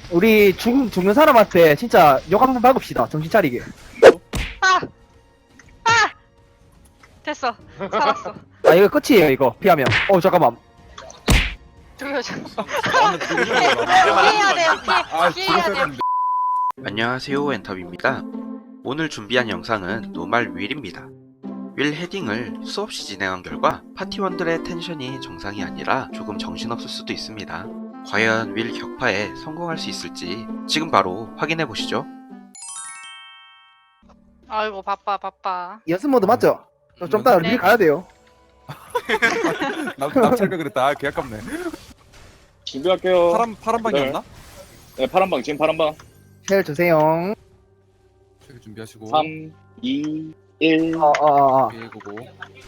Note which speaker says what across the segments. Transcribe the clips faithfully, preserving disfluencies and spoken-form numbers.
Speaker 1: 우리 죽, 죽는 사람한테 진짜 욕 한번 박읍시다. 정신 차리게.
Speaker 2: 아! 아! 됐어. 살았어.
Speaker 1: 아, 이거 끝이에요, 이거. 피하면. 어, 잠깐만.
Speaker 2: 돌려줘.
Speaker 3: 나는 죽는 거야.
Speaker 2: 피해야 돼요.
Speaker 3: 아,
Speaker 2: 피, 피해야 돼요.
Speaker 3: 죽었는데.
Speaker 4: 안녕하세요, 엔터비입니다. 오늘 준비한 영상은 노말 윌입니다. 윌 헤딩을 수없이 진행한 결과 파티원들의 텐션이 정상이 아니라 조금 정신없을 수도 있습니다. 과연 윌 격파에 성공할 수 있을지 지금 바로 확인해 보시죠.
Speaker 2: 아이고 바빠 바빠.
Speaker 1: 연습 모드 맞죠? 어, 좀 이따
Speaker 2: 네.
Speaker 1: 우리 가야 돼요.
Speaker 3: 납 납찰가 그랬다. 아, 개 아깝네.
Speaker 5: 준비할게요.
Speaker 3: 파란 파란 방이었나?
Speaker 5: 네, 파란방, 지금 파란방.
Speaker 1: 쉘 주세요.
Speaker 3: 저기 준비하시고.
Speaker 5: 삼, 이, 일.
Speaker 1: 어, 어, 어. 어.
Speaker 3: 오케이, 고고.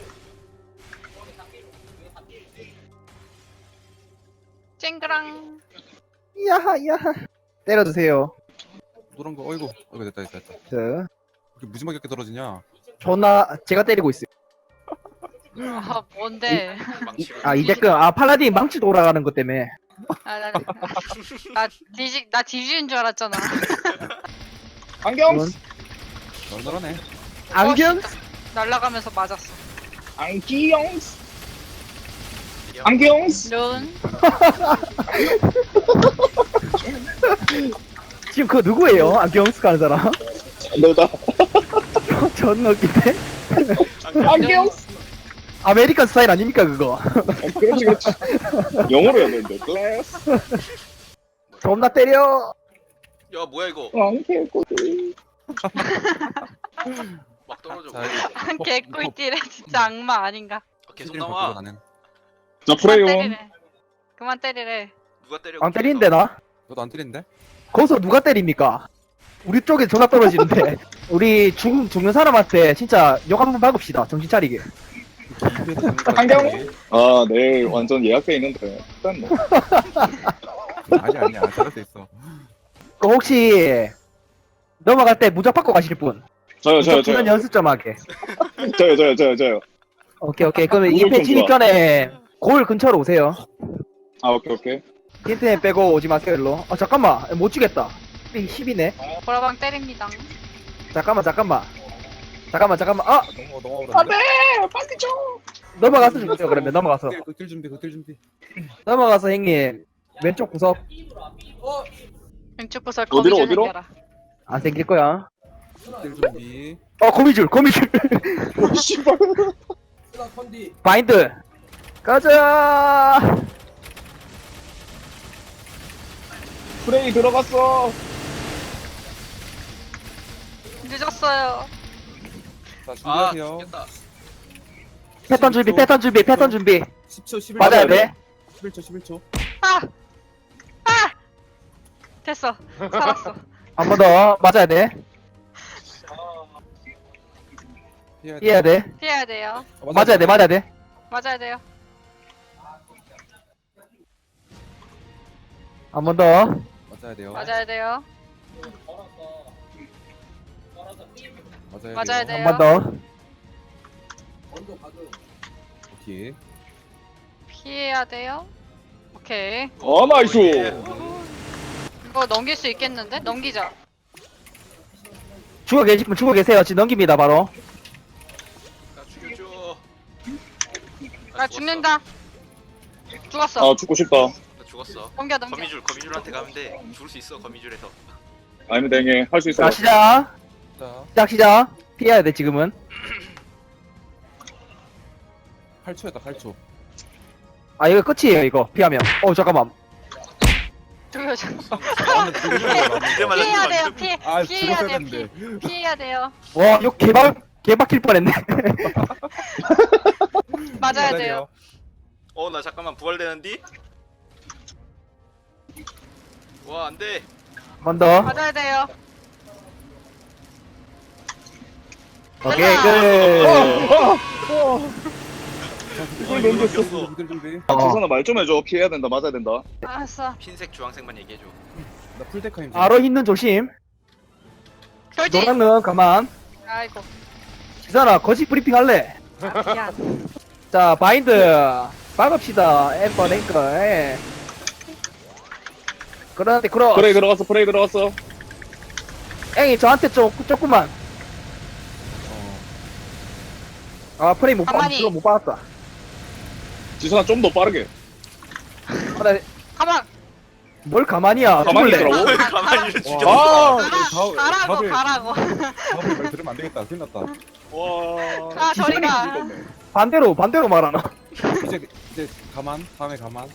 Speaker 2: 쨍그랑.
Speaker 1: 야하, 야하. 때려주세요.
Speaker 3: 노란 거. 어이구. 어이구 됐다 됐다 됐다.
Speaker 1: 저,
Speaker 3: 이렇게 무지막하게 떨어지냐?
Speaker 1: 존나, 제가 때리고 있어요.
Speaker 2: 아 뭔데?
Speaker 1: 아, 이제끔, 아, 팔라딘 망치 돌아가는 것 때문에.
Speaker 2: 아, 나, 나 뒤지 나 뒤지는 줄 알았잖아.
Speaker 5: 안경!
Speaker 1: 그건
Speaker 3: 널널하네.
Speaker 1: 안경?
Speaker 2: 날라가면서 맞았어.
Speaker 5: 안경! 안경!
Speaker 2: 룬.
Speaker 1: 지금 그거 누구예요? 안경 쓰는 사람?
Speaker 5: 너다.
Speaker 1: 존나 웃긴데?
Speaker 5: 안경!
Speaker 1: 아메리칸 스타일 아닙니까, 그거?
Speaker 5: 어, 그렇지, 그렇지. 영어로 해야 되는데. 글래스.
Speaker 1: 존나 때려.
Speaker 6: 야 뭐야 이거
Speaker 5: 안경.
Speaker 6: 막 떨어져.
Speaker 3: 자,
Speaker 2: 개꿀띠래 진짜 악마 아닌가?
Speaker 6: 아, 계속
Speaker 3: 시드링
Speaker 6: 나와.
Speaker 3: 바꾸고 나는.
Speaker 5: 자,
Speaker 2: 그만
Speaker 5: 프레이온.
Speaker 2: 때리래. 그만 때리래.
Speaker 6: 누가 때려?
Speaker 1: 안 때리는데, 나?
Speaker 3: 너도 안 때린데?
Speaker 1: 거기서 누가 때립니까? 우리 쪽에 전화 떨어지는데. 우리 죽, 죽는 사람한테 진짜 욕 한번 박읍시다. 정신 차리게.
Speaker 5: 안경? 아, 내일 완전 예약돼 있는데. 일단 뭐.
Speaker 3: 아니 아니야. 잘할 수 있어.
Speaker 1: 그 혹시 넘어갈 때 무적 받고 가실 분?
Speaker 5: 저요, 저요,
Speaker 1: 무적 주는
Speaker 5: 저요.
Speaker 1: 연습 좀 하게.
Speaker 5: 저요, 저요, 저요, 저요.
Speaker 1: 오케이, 오케이. 그러면
Speaker 5: 무적
Speaker 1: 이 패
Speaker 5: 좀
Speaker 1: 진입
Speaker 5: 좋아.
Speaker 1: 전에 골 근처로 오세요.
Speaker 5: 아, 오케이, 오케이.
Speaker 1: 힌트에 빼고 오지 마세요, 일로. 아, 잠깐만. 못 주겠다. 십이네.
Speaker 2: 보라방 때립니다.
Speaker 1: 잠깐만, 잠깐만. 잠깐만, 잠깐만. 아!
Speaker 3: 넘어 넘어가.
Speaker 5: 안 돼! 빨리 줘!
Speaker 1: 넘어가서 주세요, 그러면. 넘어가서.
Speaker 3: 극딜 준비. 극딜 준비.
Speaker 1: 넘어가서, 형님. 왼쪽 구석
Speaker 2: 왼쪽 구설
Speaker 5: 어디로,
Speaker 2: 거미줄
Speaker 5: 어디로?
Speaker 2: 생겨라.
Speaker 1: 안 생길 거야.
Speaker 3: 극딜 준비.
Speaker 1: 어, 거미줄, 거미줄.
Speaker 5: 오, 씨발.
Speaker 1: 바인드. 가자!
Speaker 5: 프레이 들어갔어.
Speaker 2: 늦었어요.
Speaker 3: 자,
Speaker 6: 아
Speaker 3: 준비하세요.
Speaker 6: 죽겠다.
Speaker 1: 패턴 준비, 패턴 준비, 패턴 준비.
Speaker 3: 십 초, 십일 초.
Speaker 1: 맞아야 돼.
Speaker 3: 십일 초, 십일 초.
Speaker 2: 아! 아! 됐어. 살았어.
Speaker 1: 한 번 더. 맞아야 돼.
Speaker 3: 피해야 돼.
Speaker 1: 이해야 돼.
Speaker 2: 피해야 돼요.
Speaker 3: 어,
Speaker 1: 맞아야 돼, 맞아야 돼.
Speaker 2: 맞아야 돼요.
Speaker 1: 한 번 더.
Speaker 3: 맞아야 돼요.
Speaker 2: 맞아야 돼요.
Speaker 3: 맞아야
Speaker 2: 맞아야
Speaker 3: 돼요.
Speaker 2: 돼요.
Speaker 1: 한 번 더.
Speaker 3: 오케이.
Speaker 2: 피해야 돼요. 오케이.
Speaker 5: 아, 나이스.
Speaker 2: 이거 넘길 수 있겠는데? 넘기자.
Speaker 1: 죽어 계시면 죽어 계세요. 지금 넘깁니다, 바로.
Speaker 6: 나 죽여줘.
Speaker 2: 나
Speaker 6: 죽었어.
Speaker 2: 죽는다. 죽었어.
Speaker 5: 아, 죽고 싶다.
Speaker 6: 나 죽었어.
Speaker 2: 넘겨 넘겨.
Speaker 6: 거미줄 거미줄한테 가면 돼. 죽을 수 있어 거미줄에서.
Speaker 5: 아니면 댕해. 할 수 있어.
Speaker 1: 자, 시작.
Speaker 3: 자,
Speaker 1: 시작, 시작. 피해야 돼, 지금은.
Speaker 3: 팔 초였다. 팔 초.
Speaker 1: 아, 이거 끝이에요, 이거. 피하면. 어, 잠깐만.
Speaker 2: 돌려줘.
Speaker 3: 나는 죽는 거야.
Speaker 6: 이제 맞았어.
Speaker 2: 피해야 돼요. 피해.
Speaker 3: 아,
Speaker 2: 피해야
Speaker 3: 죽었어야
Speaker 2: 돼요.
Speaker 3: 되는데.
Speaker 2: 피, 피해야 돼요.
Speaker 1: 와, 이거 개박, 개박힐 뻔했네.
Speaker 2: 맞아야 돼요.
Speaker 6: 어나 잠깐만 부활되는디? 와 안돼.
Speaker 1: 한 번 더.
Speaker 2: 맞아야 돼요.
Speaker 1: 오케이,
Speaker 2: 됐다.
Speaker 1: 끝.
Speaker 5: 이걸 넘겼어.
Speaker 3: 극딜 준비.
Speaker 5: 아,
Speaker 1: 어.
Speaker 5: 조선아 말 좀 해줘. 피해야 된다. 맞아야 된다.
Speaker 2: 알았어.
Speaker 6: 흰색 주황색만 얘기해줘.
Speaker 3: 나 풀데카임.
Speaker 1: 바로 있는 조심.
Speaker 2: 돌지.
Speaker 1: 노랑은 가만.
Speaker 2: 아이고.
Speaker 1: 지선아, 거짓 브리핑 할래?
Speaker 2: 아, 미안.
Speaker 1: 자, 바인드. 박읍시다. 엠버 랭커. 예. 그런데 그럼
Speaker 5: 프레이 들어갔어 프레이 들어갔어.
Speaker 1: 앵이 저한테 좀 조금만. 아 프레이 못 받,
Speaker 2: 가만히.
Speaker 1: 그거 못 받았다.
Speaker 5: 지선아 좀 더 빠르게.
Speaker 1: 아, 나,
Speaker 2: 가만.
Speaker 1: 뭘 가만히야.
Speaker 5: 가만히
Speaker 1: 죽을래.
Speaker 5: 있더라고.
Speaker 6: 가만히 를 죽여.
Speaker 5: 아,
Speaker 2: 가라, 가라고 가라고.
Speaker 3: 다음에 말 들으면 안 되겠다. 큰일 났다.
Speaker 5: 와.
Speaker 2: 가 저리 가.
Speaker 5: 죽었네.
Speaker 1: 반대로 반대로 말하나.
Speaker 3: 이제 이제 가만. 다음에 가만.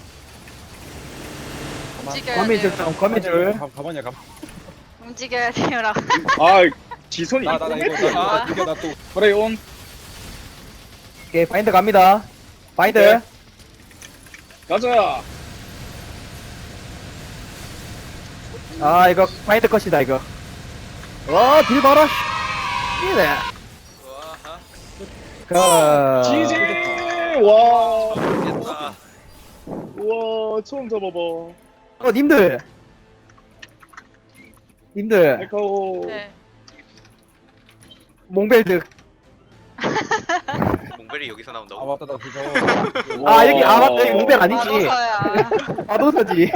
Speaker 2: 움직여야
Speaker 1: 거미줄
Speaker 2: 돼요.
Speaker 1: 좀 거미줄.
Speaker 3: 가, 가만이야 가만.
Speaker 2: 움직여야 돼요라고.
Speaker 5: 아, 지선이
Speaker 3: 나 나 나 이거
Speaker 5: 이거
Speaker 3: 나 이거 나 또.
Speaker 5: 프레이 온.
Speaker 1: 오케이 바인드 갑니다. 바인드.
Speaker 5: 오케이. 가자.
Speaker 1: 아 이거 바인드 컷이다 이거. 와딜 봐라. 이네.
Speaker 6: 와,
Speaker 1: 그.
Speaker 5: 지지. 와.
Speaker 6: 됐다.
Speaker 5: 우와, 처음 잡아봐.
Speaker 1: 어 님들. 님들
Speaker 5: 에카오.
Speaker 2: 네.
Speaker 1: 몽벨드.
Speaker 6: 몽벨이 여기서
Speaker 3: 아
Speaker 6: 나온다고?
Speaker 3: 맞다 나 그거.
Speaker 1: 아 여기 아 맞다 여기 몽벨 아니지.
Speaker 2: 마도서야.
Speaker 1: 마도서지.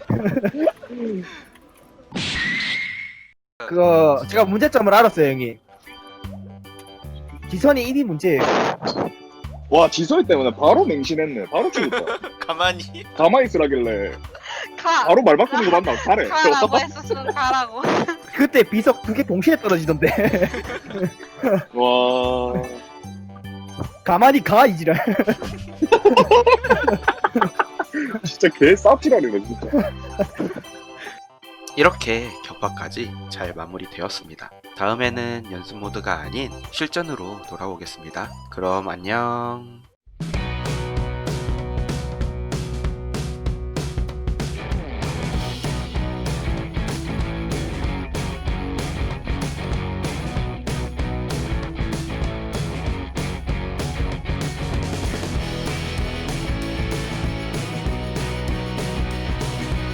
Speaker 1: 그거 제가 문제점을 알았어요 형이. 지선이 일 위 문제예요.
Speaker 5: 와, 지선이 때문에 바로 맹신했네. 바로 죽었다.
Speaker 6: 가만히.
Speaker 5: 가만히 있으라길래.
Speaker 2: 가.
Speaker 5: 바로 말 바꾸는 거 맞나? 잘해.
Speaker 2: 가라고 했었으면 가라고.
Speaker 1: 그때 비석 두 개 동시에 떨어지던데.
Speaker 5: 와.
Speaker 1: 가만히 가 이지랄.
Speaker 5: 진짜 개 쌉질하네, 진짜.
Speaker 4: 이렇게 격파까지 잘 마무리되었습니다. 다음에는 연습 모드가 아닌 실전으로 돌아오겠습니다. 그럼 안녕.